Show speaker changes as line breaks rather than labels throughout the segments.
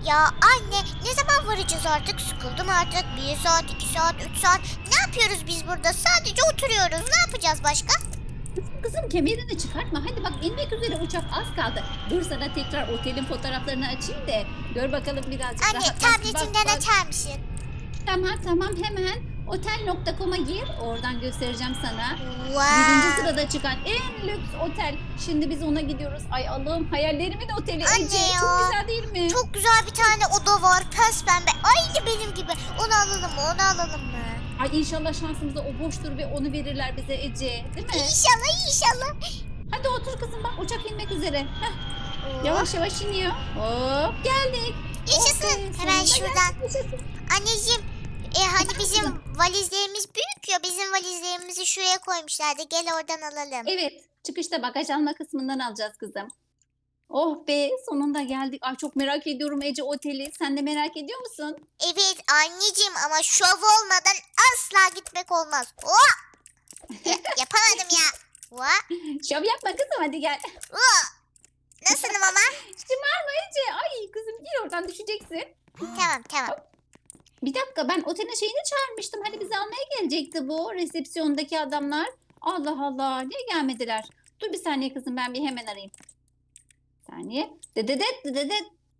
Ya anne ne zaman varacağız artık? Sıkıldım artık. 1 saat, 2 saat, 3 saat. Ne yapıyoruz biz burada? Sadece oturuyoruz. Ne yapacağız başka?
Kızım kemerini çıkartma. Hadi bak inmek üzere uçak az kaldı. Dur sana tekrar otelin fotoğraflarını açayım da gör bakalım birazcık
Anne
rahat.
tabletinden açar mısın?
Tamam hemen otel.com'a gir. Oradan göstereceğim sana. Birinci
Wow.
sırada çıkan en lüks otel. Şimdi biz ona gidiyoruz. Ay Allah'ım hayallerimin oteli
Anne
Ece.
ya.
Çok güzel değil mi?
Çok güzel bir tane oda var. Pes pembe. Aynı benim gibi. Onu alalım mı? Onu alalım mı?
Ay inşallah şansımıza o boştur ve onu verirler bize Ece. Değil mi?
İnşallah inşallah.
Hadi otur kızım bak uçak inmek üzere. Heh,
Oh.
yavaş yavaş iniyor. Hop geldik.
Yaşasın.
Oh be,
Hemen
sonunda
şuradan.
geldik, yaşasın.
Anneciğim hani bizim valizlerimiz büyük ya. Bizim valizlerimizi şuraya koymuşlardı. Gel oradan alalım.
Evet çıkışta bagaj alma kısmından alacağız kızım. Oh be sonunda geldik. Ay çok merak ediyorum Ece oteli. Sen de merak ediyor musun?
Evet anneciğim ama şov olmadan asla gitmek olmaz. Oh! Yapamadım ya. Oh!
Şov yapma kızım hadi gel.
Oh! Nasılım ama?
Şımarma Ece. Ay kızım gir oradan düşeceksin.
Tamam.
Bir dakika ben otelin şeyini çağırmıştım. Hani bizi almaya gelecekti bu resepsiyondaki adamlar. Allah Allah niye gelmediler? Dur bir saniye kızım ben bir hemen arayayım. Bir saniye. Dededet dededet.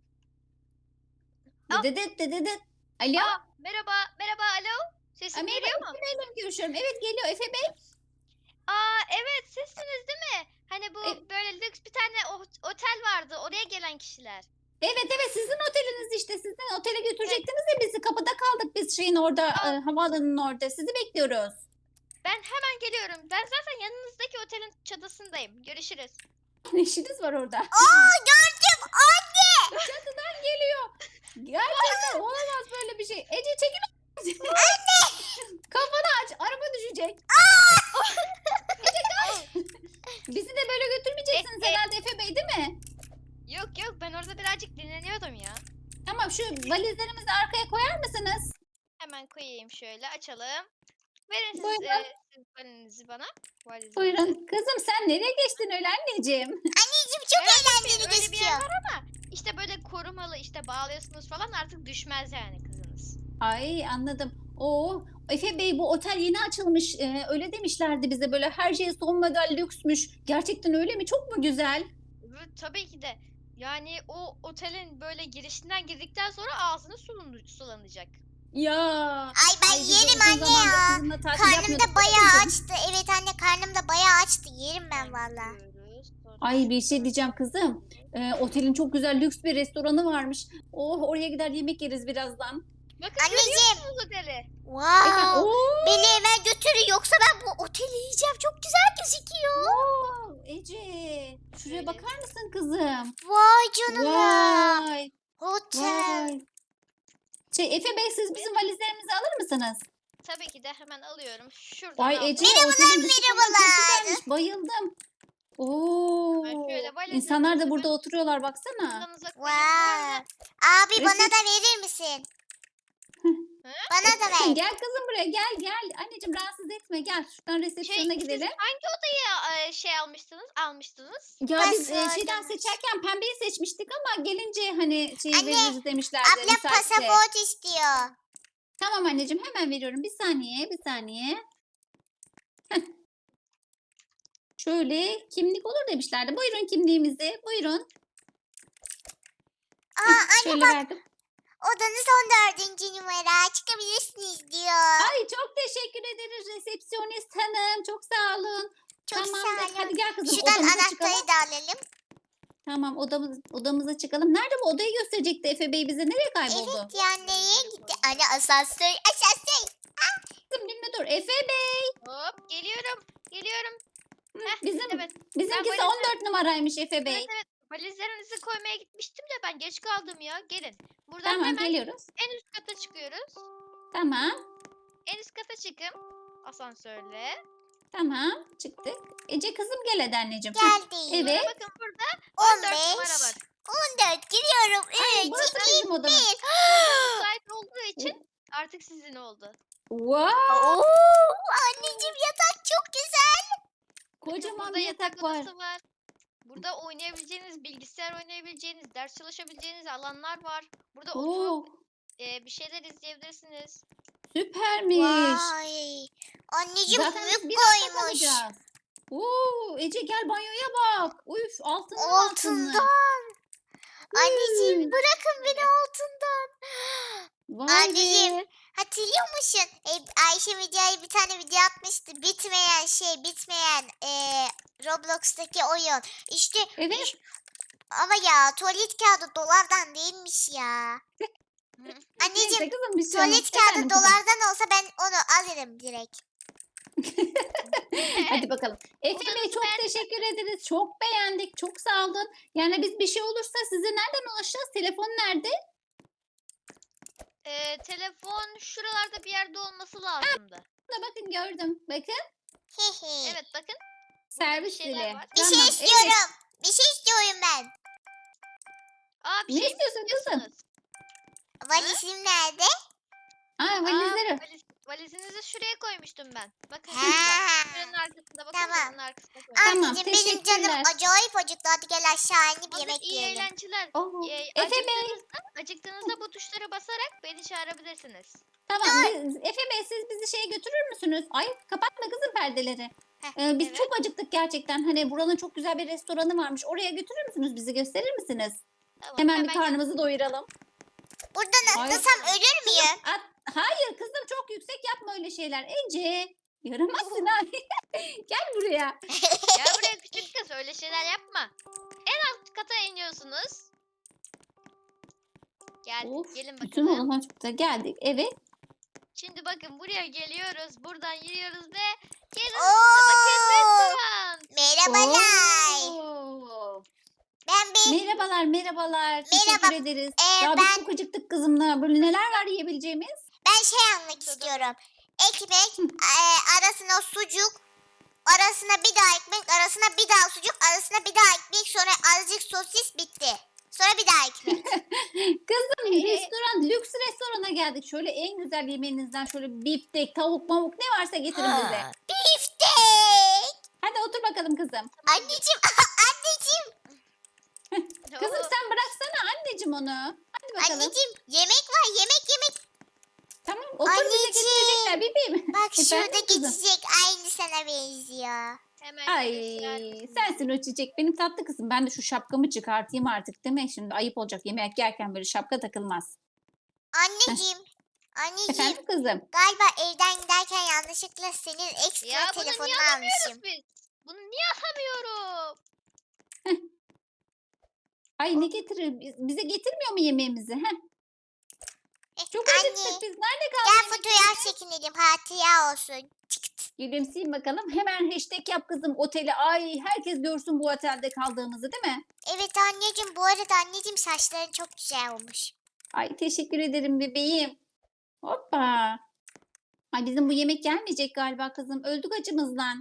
Al.
Dededet dededet. Alo.
Merhaba, alo. Sesim
Merhaba
geliyor mu?
Efe Bey'le mi görüşüyorum? Evet geliyor Efe Bey.
Evet, sizsiniz değil mi? Hani bu
E-
böyle lüks bir tane otel vardı, oraya gelen kişiler.
Evet sizin oteliniz işte. Sizin otele götürecektiniz ya bizi. Kapıda kaldık biz şeyin orada havaalanının orada. Sizi bekliyoruz.
Ben hemen geliyorum. Ben zaten yanınızdaki otelin çatısındayım. Görüşürüz.
Ne işiniz var orada?
Gördüm anne.
Çatıdan geliyor. Gerçekten olamaz böyle bir şey. Ece çekil. Kafanı aç. Araba düşecek. Ece kaç. Bizi de böyle götürmeyeceksiniz herhalde Efe Bey değil mi?
Yok, ben orada birazcık dinleniyordum ya.
Tamam şu valizlerimizi arkaya koyar mısınız?
Hemen koyayım şöyle, açalım. Verin siz,
Buyurun.
siz valizinizi bana. Valizinizi.
Buyurun. Kızım sen nereye geçtin öyle anneciğim?
Anneciğim çok eğlenceli
Öyle bir yer
gözüküyor.
var ama işte böyle korumalı, işte bağlıyorsunuz falan, artık düşmez yani kızınız.
Ay anladım. Oo, Efe Bey bu otel yeni açılmış. Öyle demişlerdi bize böyle her şey son model lüksmüş. Gerçekten öyle mi? Çok mu güzel?
Evet, tabii ki de. Yani o otelin böyle girişinden girdikten sonra ağzınız sulanacak.
Ya.
Ay ben
Ay biz de
yerim
uzun
anne
zamandır
ya.
sizinle tatil
Karnım
yapmıyorduk
da
değil mi
bayağı
kızım?
açtı. Evet anne karnım da bayağı açtı. Yerim ben valla.
Bakıyoruz, sonra
Ay bir şey diyeceğim
şöyle.
kızım. Otelin çok güzel lüks bir restoranı varmış. Oh oraya gider yemek yeriz birazdan.
Bakın, görüyor
Anneciğim.
musunuz oteli?
Efendim,
Wow.
oo,
Beni hemen götürün yoksa ben bu oteli yiyeceğim. Çok güzel gözüküyor.
Ece şuraya
Şöyle.
bakar mısın kızım?
Vay canına.
Vay
Otel.
vay. Efe Bey siz bizim valizlerimizi alır mısınız?
Tabii ki de hemen alıyorum. Şuradan
Vay
aldım.
Ece otelin dışı falan çok
merhabalar.
güzelmiş. Bayıldım. Oo.
Ben şöyle
İnsanlar da
valizlerinizi
burada oturuyorlar baksana.
yanınıza koyayım. Bu arada
Wow. Abi bana
Resim-
da verir misin? Bana da ver.
Gel kızım buraya gel. Anneciğim rahatsız etme gel. Şuradan resepsiyona
siz
gidelim.
hangi odayı almıştınız?
Ya
Ben
biz
sığ
şeyden
demiş.
seçerken pembeyi seçmiştik ama gelince hani şeyi
Anne,
veririz demişlerdi.
Abla
müsaitse.
pasaport istiyor.
Tamam anneciğim hemen veriyorum. Bir saniye. Heh. Şöyle kimlik olur demişlerdi. Buyurun kimliğimizi. Buyurun.
Aa
Şöyle
anne bak
verdim.
odanız 14. numara çıkabilirsiniz diyor.
Ay çok teşekkür ederiz resepsiyonist hanım. Çok sağ olun.
Çok
Tamamdır.
sağ olun.
Hadi gel kızım
Şuradan
odamıza çıkalım.
anahtarı da alalım.
Tamam odamıza çıkalım. Nerede bu odayı gösterecekti Efe Bey bize? Nereye kayboldu?
Evet ya neye gitti? Anne asansör.
Kızım dinle dur. Efe Bey.
Hop, geliyorum.
Hı,
Heh,
Bizim
evet.
bizimkisi
Ben
14 numaraymış Efe Bey.
Evet. Valizlerinizi koymaya gitmiştim de ben geç kaldım ya. Gelin. Buradan
Tamam
hemen
geliyoruz.
en üst kata çıkıyoruz.
Tamam.
En üst kata çıkın. Asansörle.
Tamam. Çıktık. Ece kızım gel hadi anneciğim. Heh,
Geldi.
Evet.
Sonra bakın burada 14 numara
15.
var.
14 giriyorum.
Ay,
3,
burası
2,
bizim odamız.
1.
Burada müsait olduğu için artık sizin oldu.
Wow.
Oo, anneciğim yatak çok güzel.
Kocaman
Burada
bir yatak var.
odası var. Burada oynayabileceğiniz, bilgisayar oynayabileceğiniz, ders çalışabileceğiniz alanlar var. Burada
Oo,
oturup bir şeyler izleyebilirsiniz.
süpermiş.
Vay. Anneciğim
Zaten biz
büyük
bir hafta
koymuş.
kalacağız. Oo, Ece gel banyoya bak. Uf, altınlı altınlı.
Altından. Anneciğim
Hmm.
bırakın beni altından.
Vay
Anneciğim,
be.
hatırlıyor musun? Ayşe videoya bir tane video atmıştı. Bitmeyen Roblox'taki oyun. İşte
Evet.
ama ya tuvalet kağıdı dolardan değilmiş ya. Anneciğim,
Neyse kızım bir şey olmaz.
tuvalet kağıdı
Efendim kızım.
dolardan olsa ben onu alırım direkt.
Hadi bakalım. Efe Bey
Odanızı
çok teşekkür ederiz. Çok beğendik. Çok sağ olun. Yani biz bir şey olursa size nereden ulaşacağız? Telefon nerede?
Telefon şuralarda bir yerde olması lazımdı.
Burada bakın gördüm. Bakın.
Hehe.
Evet bakın.
Servis
şeyler
dili.
var.
Bir şey
Tamam,
istiyorum.
evet.
Bir şey istiyorum ben.
Aa bir
Ne
şey mi
istiyorsun kızım?
istiyorsunuz?
Valizim nerede?
Aa, valizleri.
Valizinizi şuraya koymuştum ben. Bakın
Ha.
şurada. Şuranın arkasında bakın.
Tamam.
Şuranın arkasında koymuştum.
Tamam,
Anneciğim benim canım
teşekkürler.
acayip acıktı. Hadi gel aşağı inip
Hazır,
yemek
iyi
yiyelim.
eğlenceler.
Oo.
Ee,
Efe Bey.
acıktığınızda bu tuşlara basarak beni çağırabilirsiniz.
Tamam. Efe Bey siz bizi şeye götürür müsünüz? Ay kapatma kızım perdeleri.
Heh,
Biz
evet.
çok acıktık gerçekten. Hani buranın çok güzel bir restoranı varmış. Oraya götürür müsünüz? Bizi gösterir misiniz?
Tamam,
Hemen bir
gel-
karnımızı doyuralım.
Buradan
Ay.
atlasam ölür müyüm?
Hayır kızım çok yüksek yapma öyle şeyler. Ece yaramazsın ha. Gel buraya.
Gel buraya küçük kız, öyle şeyler yapma. En alt kata iniyorsunuz. Geldik,
Of,
gelin
bütün
bakalım.
olanlar çok güzel. Geldik. Evet.
Şimdi bakın buraya geliyoruz. Buradan yürüyoruz ve gelin
Oo.
bakın restoran.
Merhabalar.
Oo.
Ben bir
Merhabalar.
Merhaba.
Teşekkür ederiz. Ya biz
ben
çok acıktık kızımla. Böyle neler var yiyebileceğimiz?
almak istiyorum. Ekmek, arasına sucuk, arasına bir daha ekmek, arasına bir daha sucuk, arasına bir daha ekmek, sonra azıcık sosis bitti. Sonra bir daha ekmek.
Kızım lüks restorana geldik. Şöyle en güzel yemeğinizden şöyle biftek, tavuk, mavuk ne varsa getirin bize.
Biftek.
Hadi otur bakalım kızım.
Anneciğim, anneciğim,
Kızım sen bıraksana anneciğim onu. Hadi bakalım.
anneciğim yemek var, yemek.
Tamam otur bize
Anneciğim.
getirecekler bebeğim.
Bak
Efendim
şurada
kızım?
geçecek aynı sana benziyor.
Hemen
Ay
şöyle
sensin o çiçek. Benim tatlı kızım. Ben de şu şapkamı çıkartayım artık değil mi? Şimdi ayıp olacak. Yemek yerken böyle şapka takılmaz.
Anneciğim,
Efendim kızım?
galiba evden giderken yanlışlıkla senin ekstra
Ya bunu
telefonunu
niye
almışım.
alamıyoruz biz? Bunu niye alamıyorum?
Ay ne getirir? Bize getirmiyor mu yemeğimizi? Heh. Çok
Anne,
acıktık biz. Nerede kaldı?
gel
yemek?
fotoğraf çekinelim, hatıra olsun. Çıkt.
Gülümseyin bakalım. Hemen hashtag yap kızım oteli. Ay herkes görsün bu otelde kaldığımızı değil mi?
Evet anneciğim, bu arada anneciğim saçların çok güzel olmuş.
Ay teşekkür ederim bebeğim. Hoppa. Ay bizim bu yemek gelmeyecek galiba kızım. Öldük acımızdan.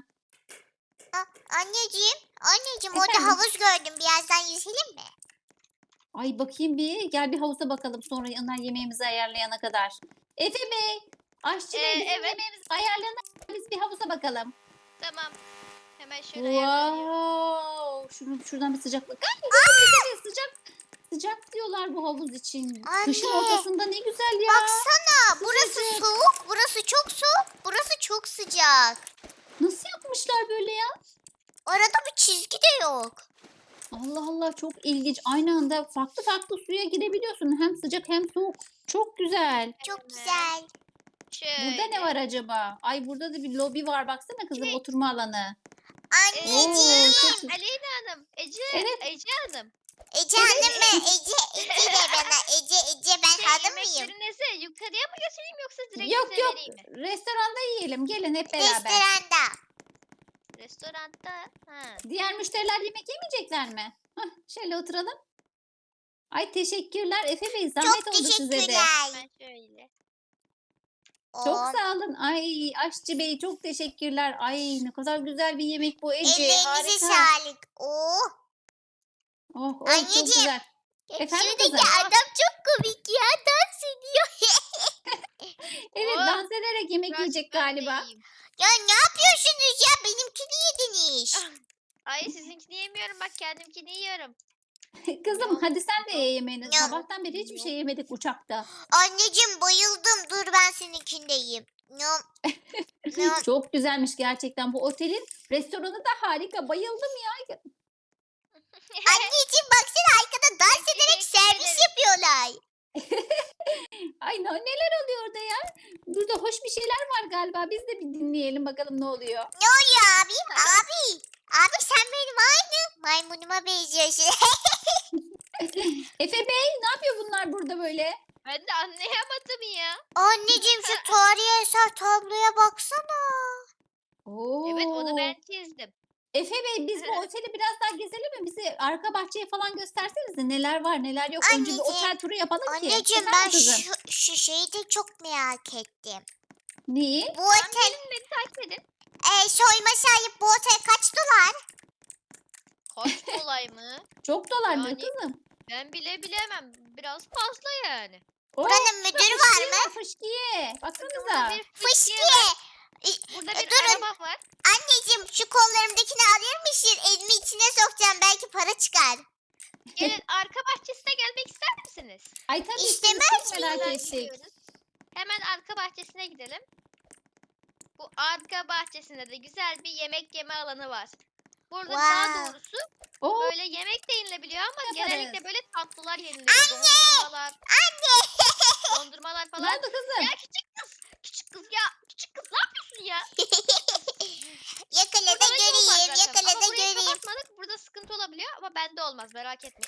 Anneciğim orada
Efendim?
havuz gördüm, birazdan yüzelim mi?
Ay bakayım bir. Gel bir havuza bakalım sonra onlar yemeğimizi ayarlayana kadar. Efe Bey, aşçı Bey bizim
evet.
yemeğimizi ayarlayana kadar biz bir havuza bakalım.
Tamam. Hemen şöyle ayarlanıyor.
Wow. Şuradan bir sıcaklık. Ay, güzel, sıcak. Sıcak diyorlar bu havuz için. Kışın
Anne,
ortasında ne güzel ya.
Baksana, burası
Sıcacık.
soğuk, burası çok soğuk, burası çok sıcak.
Nasıl yapmışlar böyle ya?
Arada bir çizgi de yok.
Allah Allah çok ilginç. Aynı anda farklı farklı suya girebiliyorsun. Hem sıcak hem soğuk. Çok güzel.
Çok
Evet.
güzel.
Burada ne
Şöyle.
var acaba? Ay burada da bir lobi var. Baksana kızım
Şey-
oturma alanı.
Anneciğim.
çok güzel.
Aleyna Hanım, Ece
Evet.
Hanım.
Ece Hanım ben, Ece de bana, Ece ben hanım mıyım?
Yemeklerinizi yukarıya mı götüreyim yoksa direkt
Yok
size
yok.
vereyim mi?
Restoranda yiyelim. Gelin hep beraber.
Restoranda.
Restoranda. Ha.
Diğer müşteriler yemek yemeyecekler mi? Hah, şöyle oturalım. Ay teşekkürler Efe Bey. Zahmet
Çok
oldu size de.
teşekkürler.
Ben şöyle.
Çok
Oo,
sağ olun. Ay Aşçı Bey çok teşekkürler. Ay ne kadar güzel bir yemek bu Ece.
ellerinize
Harika.
sağlık. Oo.
Oh, oh, çok
Anneciğim.
güzel. Efendim
Şuradaki
kızım?
adam çok komik ya, dans ediyor.
Evet
Oh,
dans ederek yemek
Biraz
yiyecek
ben de
galiba.
yiyeyim.
Ya ne yapıyorsunuz ya, benimkini yediniz.
Ay sizinkini yemiyorum bak kendimkini yiyorum.
Kızım
Yok.
hadi sen de ye yemeğini.
Yok.
Sabahtan beri hiçbir şey yemedik uçakta.
Anneciğim bayıldım. Dur ben seninkini de yiyeyim. Nom, nom.
Çok güzelmiş gerçekten. Bu otelin restoranı da harika. Bayıldım ya.
Anneciğim baksana arkada dans ederek
Teşekkür
servis
ederim.
yapıyorlar.
Ay neler oluyor orada ya? Burada hoş bir şeyler var galiba. Biz de bir dinleyelim bakalım ne oluyor.
Ne oluyor abim? Abi. Abi sen benim aynı maymunuma benziyorsun.
Efe Bey ne yapıyor bunlar burada böyle?
Ben de anlayamadım ya.
Anneciğim şu tarihi eser tabloya baksana.
Oo.
Evet onu ben çizdim.
Efe Bey biz bu oteli biraz daha gezelim mi? Bize arka bahçeyi falan göstersenize neler var neler yok. Önce bir
Anneciğim,
otel turu yapalım ki.
Anneciğim
Efendim
ben
kızım?
şu şeyi de çok merak ettim.
Neyi?
Bu
Tamam
otel
gelin beni takip edin.
soyma sahip bu otel kaç dolar?
Kaç kolay mı?
Çok dolar mı
Yani-
kızım?
Ben bile bilemem. Biraz fazla yani.
Buranın müdürü var mı?
Fışkiye.
Burada
Baksanıza.
bir fıskiye
Fışkiye.
var. Burada bir
durun.
araba var.
Anneciğim şu kollarımdakini alır mısın? Elimi içine sokacağım belki para çıkar.
Gelin arka bahçesine gelmek ister misiniz?
Ay tabii
İstemez
çok merak
Buradan
ettik.
gidiyoruz. Hemen arka bahçesine gidelim. Bu arka bahçesinde de güzel bir yemek yeme alanı var. Burada daha
Wow.
doğrusu
Oo,
böyle yemek de yenilebiliyor ama
Yaparız.
genellikle böyle tatlılar yeniliyor. Dondurmalar. Dondurmalar
ne
falan.
oldu kızım?
Ya küçük kız. Küçük kız ya. Küçük kız ne yapıyorsun ya?
Yakala da
Burada hiç olmaz
göreyim,
zaten.
yakala
Ama
da
burayı
göreyim.
kapatmadık. Burada sıkıntı olabiliyor ama bende olmaz merak etme.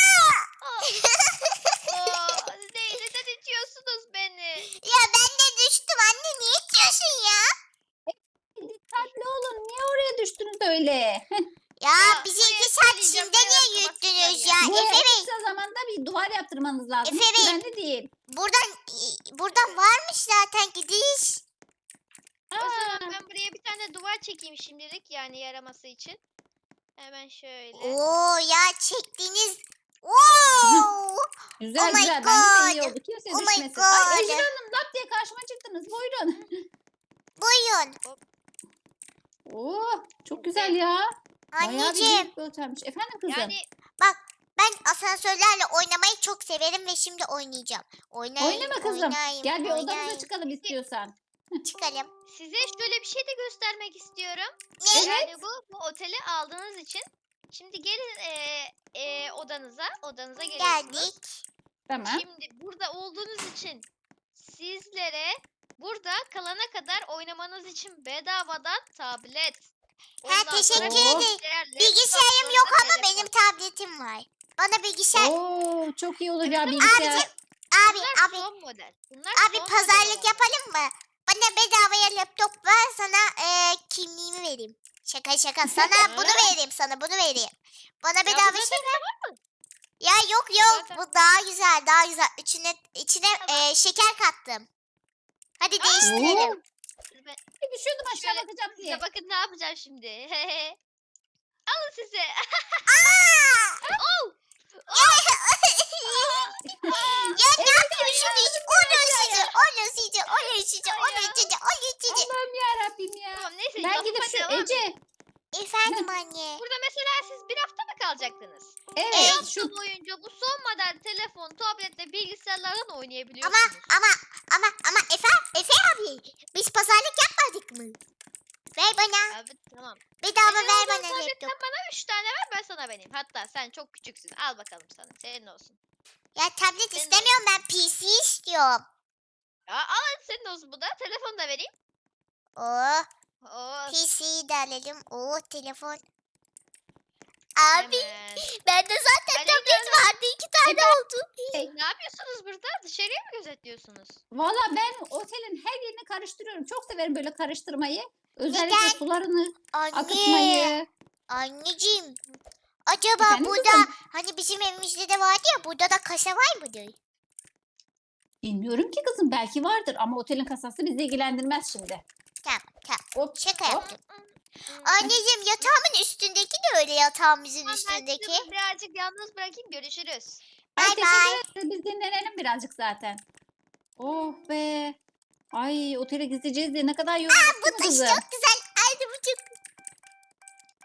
Neden itiyorsunuz beni?
Ya ben de düştüm anne niye itiyorsun ya?
Dikkatli olun. Niye oraya düştünüz öyle?
Ya
Ya,
bizi
buraya
2 saat
söyleyeceğim,
Çin'de
buraya
niye
kapatsınlar
yürüttünüz
ya.
ya?
Buraya
Efe
en
Bey
kısa zamanda bir duvar yaptırmanız lazım.
Efe
Hiç
Bey.
güvenli değil.
buradan varmış zaten gidiş.
O
Aa,
zaman ben buraya bir tane duvar çekeyim şimdilik yani yaraması için. Hemen şöyle.
Oo ya çektiğiniz. Oo.
güzel
Oh my
güzel. Bence de iyi
God.
oldu. Kimse
Oh my
düşmesin. Ay
God.
Ejder Hanım lap diye karşıma çıktınız. Buyurun.
Buyurun.
Oo, çok güzel ya. Bayağı bir
Anneciğim
büyük bir otelmiş. Efendim kızım?
Yani
bak ben asansörlerle oynamayı çok severim ve şimdi oynayacağım. Oynayayım,
Oynama kızım.
oynayayım,
Gel bir odamıza
oynayayım.
çıkalım istiyorsan.
Çıkalım.
size şöyle bir şey de göstermek istiyorum.
Ne?
Yani bu oteli aldığınız için. Şimdi gelin odanıza geliyorsunuz.
Geldik.
Tamam.
Şimdi burada olduğunuz için sizlere burada kalana kadar oynamanız için bedavadan tablet.
Ha,
ondan
teşekkür
sonra
ederim.
bilgisayar,
Bilgisayarım
laptop,
yok
sonra
ama
telefon.
benim tabletim var. Bana bilgisayar...
Oo, çok iyi olur ya
Abicim,
bilgisayar.
abi,
Bunlar
abi,
son model. Bunlar
abi
son
pazarlık
model.
yapalım mı? Bana bedavaya laptop ver sana kimliğimi vereyim. Şaka şaka sana bunu vereyim sana bunu vereyim. Bana bedava
bu
şey ver. Ya yok yok
Zaten-
bu daha güzel daha güzel. İçine
Tamam.
şeker kattım. Hadi değiştirelim.
Oo, bir düşüyordum aşağı
Şöyle
bakacağım diye.
Size bakın ne yapacağım şimdi. Alın size.
Ya ne yapıyorsun hiç? Onu ısıcı, onu ısıcı, onu ısıcı, onu ısıcı, onu ısıcı.
Allah'ım yarabbim ya.
Tamam neyse
Ben
lafıma
gidip şu
devam.
Ece.
Efendim anne.
Burada mesela siz bir hafta mı kalacaktınız? Bir
Evet
hafta
şu
boyunca bu son model telefon, tablet ve bilgisayarlardan
Ama
oynayabiliyorsunuz.
ama Efe abi biz pazarlık yapmadık mı? Ver bana.
Abi tamam.
Bedava
Senin
ver
olduğun
bana
tabletten
laptop.
bana 3 tane ver ben sana vereyim. Hatta sen çok küçüksün. Al bakalım sana. Senin olsun.
Ya tablet
Senin
istemiyorum ben PC istiyorum.
Ya al hadi senin olsun bu da. Telefonu da vereyim.
Oh
Oo,
PC'yi de alalım. Oh telefon. Abi
hemen.
bende zaten
Hadi
tablet vardı 2 tane oldu.
Ne yapıyorsunuz burada? Dışarıya mı gözetliyorsunuz?
valla ben otelin her yerini karıştırıyorum. Çok severim böyle karıştırmayı. Özellikle
Neden?
sularını
Anne.
akıtmayı.
Anneciğim. Acaba
Efendim
burada
kızım?
hani bizim evimizde de vardı ya burada da kasa var mıdır?
Bilmiyorum ki kızım belki vardır ama otelin kasası bizi ilgilendirmez şimdi.
Tamam tamam.
Hop,
Şaka
hop.
yaptım. Anneciğim yatağımın üstündeki de öyle yatağımızın
Tamam, ben sizi
üstündeki.
birazcık yalnız bırakayım. Görüşürüz.
Ay
Bay
teşekkür
bay.
ederiz. Biz dinlenelim birazcık zaten. Oh be. Ay otele gideceğiz diye ne kadar yorulduk
Bu
değil mi
taş
kızım?
çok güzel. Hadi bu çok.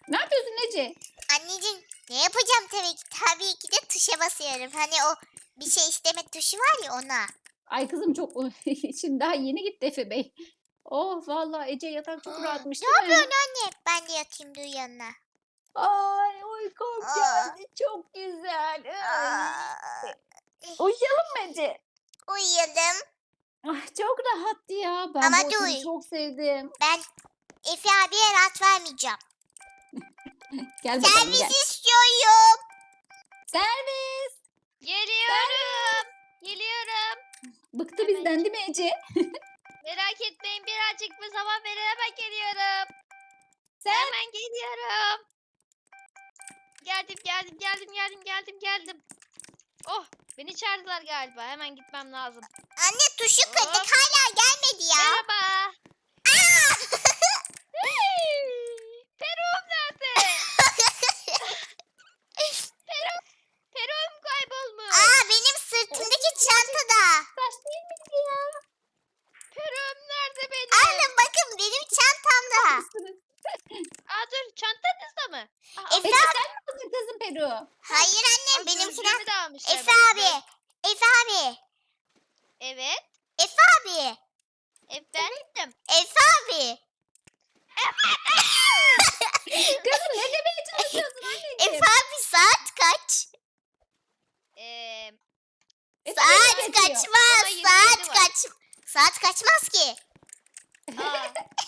Ne yapıyorsun Ece?
Anneciğim ne yapacağım tabii ki. Tabii ki de tuşa basıyorum. Hani o bir şey isteme tuşu var ya ona.
Ay kızım çok şimdi daha yeni gitti Efe Bey. Oh vallahi Ece yatak çok rahatmış
Ne
değil mi?
yapıyorsun anne? Ben de yatayım dur yanına.
Ay uykum
Aa.
geldi çok güzel. Ay.
Aa,
Uyuyalım mı Ece?
uyuyalım.
Ah, çok rahattı ya. Ben
Ama
bu oteli
dur.
çok sevdim.
Ben Efe abiye rahat vermeyeceğim.
Gel bakalım gel.
Servis istiyorum.
Servis.
Geliyorum. Geliyorum.
Bıktı
Hemen
bizden değil mi Ece?
Merak etmeyin, birazcık bir zaman verin, hemen geliyorum.
Sen
Hemen geliyorum. Geldim. Oh, beni çağırdılar galiba. Hemen gitmem lazım.
Anne tuşu kırdık
Hop.
hala gelmedi ya.
Merhaba.
Aa!
Peruğum nerede? Peruğum kaybolmuş.
Aa benim sırtımdaki çantada.
saç değil miydi ya?
Peruğum nerede benim?
Alın bakın benim çantamda.
Aa, dur, çantanızda mı? Aa,
Efe
Ece
abi.
sen mi aldın kızım Peru?
Hayır annem
aa,
benimkiler.
gözlüğümü de almışlar
Efe
bak,
abi.
göz-
Efe abi.
Evet.
Efe abi.
Efendim.
Efe abi.
Kızım ne demeye çalışıyorsun anneciğim?
Efe abi saat kaç?
Efe
Saat
Bey geçiyor.
kaçmaz.
Ama 27
Saat
var.
saat kaçmaz ki.
Aa.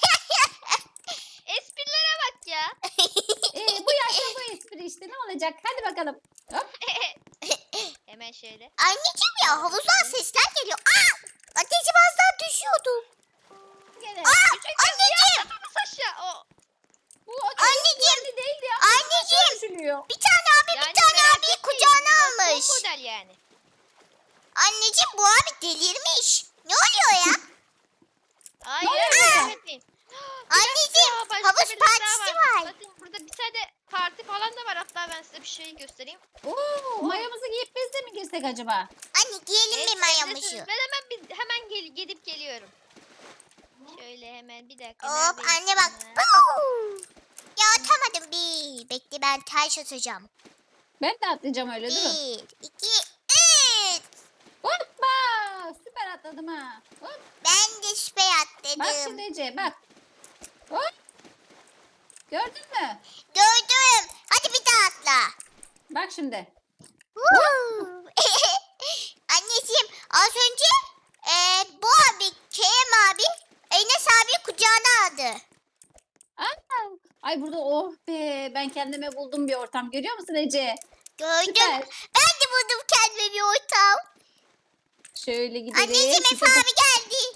Esprilere bak ya.
Bu yaşta bu espri işte ne olacak? Hadi bakalım. Hop.
Hemen şöyle.
Anneciğim ya havuzdan sesler geliyor. Aa! Ateşim az daha düşüyordum.
Gene.
Anneciğim.
Atlamaz aşağı. O.
Bu otel
Anneciğim.
yerli değil ya.
Anneciğim.
Düşünüyor.
Bir tane abi
Yani
bir tane
merak
abiyi
etmeyin,
kucağına
biraz
almış.
son model yani.
Anneciğim bu abi delirmiş. Ne oluyor ya?
Hayır,
oluyor
merak
burada?
etmeyin.
Anneciğim
Aa, başka
havuz
birileri daha
partisi var.
Bakın burada bir tane parti falan da var. Hatta ben size bir şey göstereyim.
Oo, mayomuzu giyip biz de mi girsek acaba?
Anne giyelim
Evet,
mi mayomuzu?
gidebilirsiniz. Ben hemen gidip geliyorum. Şöyle hemen bir dakika.
Hop
neredeyim
anne bak.
ben?
Buu! Ya atamadım bir. Bekle ben taş atacağım.
Ben de atlayacağım öyle durun.
1, 2, 3.
Hoppa! Süper atladım ha. Hop.
Ben de süper
Bak
atladım.
şimdi Ece bak. Hop. Gördün mü?
Gördüm. Hadi bir daha atla.
Bak şimdi.
Woo! Anneciğim az önce bu abi Kerem abi Enes abi kucağına aldı.
Aa, ay burada oh be ben kendime buldum bir ortam. Görüyor musun Ece?
Gördüm.
Süper.
Ben de buldum kendime bir ortam.
Şöyle gidelim.
Anneciğim Efe
Süper.
abi geldi.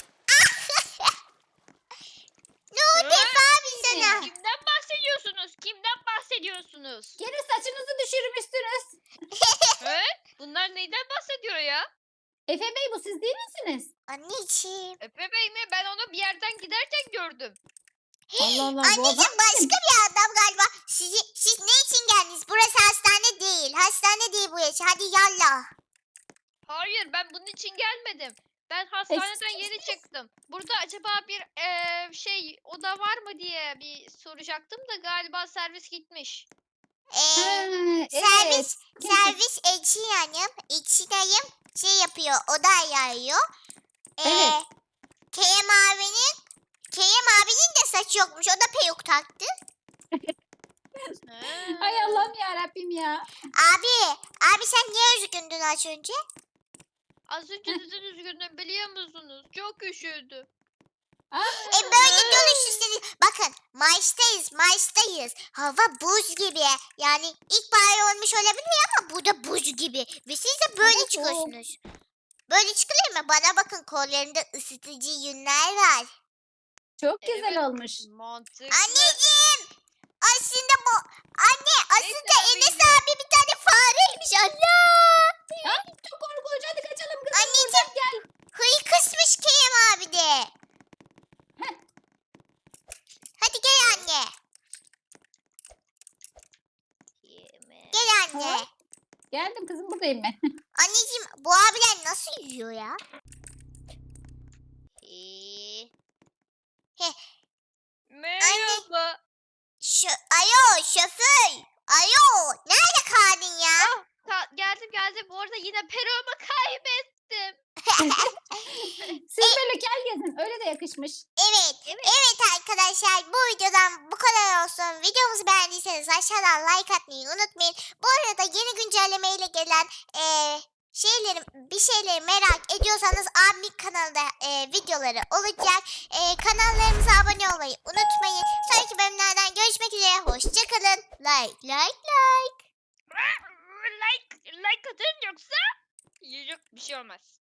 Ne oldu Efe abi sana?
Kimden bahsediyorsunuz? Kimden bahsediyorsunuz?
Gene saçınızı düşürmüşsünüz.
He? Bunlar neyden bahsediyor ya?
Efe Bey bu siz değil misiniz?
Anneciğim.
Efe Bey mi? Ben onu bir yerden giderken gördüm.
Allah Allah bu adam
Anneciğim başka
kim?
bir adam galiba. Siz ne için geldiniz? Burası hastane değil. Hastane değil burası. Hadi yallah.
Hayır, ben bunun için gelmedim. Ben hastaneden yeni çıktım. Burada acaba bir oda var mı diye bir soracaktım da galiba servis gitmiş.
Ha, evet.
Servis
Kesin.
servis Ekşi Hanım. Ekşi dayım şey yapıyor. Oda ayarlıyor.
Evet.
Kerem abinin de saçı yokmuş. O da peruk taktı.
Ay Allah'ım ya Rabbim ya.
Abi sen niye üzgündün az önce?
Az önce neden üzgündüm biliyor musunuz? Çok üşüdüm.
Böyle dönüş istedi. Bakın Mayıs'tayız. Hava buz gibi. Yani ilkbahar olmuş olabilir ama burada buz gibi. Ve siz de böyle
Hava
çıkıyorsunuz. Böyle çıkılır mı? Bana bakın kollarında ısıtıcı yünler var.
Çok güzel
Evet.
olmuş.
Mantıklı.
Anneciğim. Aslında
Neyse,
Enes abi bir tane fareymiş. Allah.
Ay çok korkunç hadi kaçalım kızım
Anneciğim.
buradan gel.
Hıyı kısmış Kerem abi de.
Heh.
Hadi gel anne.
Yeme.
Gel anne.
Ha? Geldim kızım buradayım ben.
Anneciğim bu abiler nasıl yiyor ya?
Ee.
Heh.
Merhaba.
Şu Ayo şoför. Ayo nerede kaldın ya?
Geldim. Bu arada yine peruğumu kaybettim.
Siz böyle kel gezin. Öyle de yakışmış.
Evet arkadaşlar bu videodan bu kadar olsun. Videomuzu beğendiyseniz aşağıdan like atmayı unutmayın. Bu arada yeni güncellemeyle gelen bir şeyleri merak ediyorsanız abimin kanalında videoları olacak. Kanallarımıza abone olmayı unutmayın. Sonraki bölümlerden görüşmek üzere. Hoşçakalın. Like.
Like atın yoksa yok bir şey olmaz.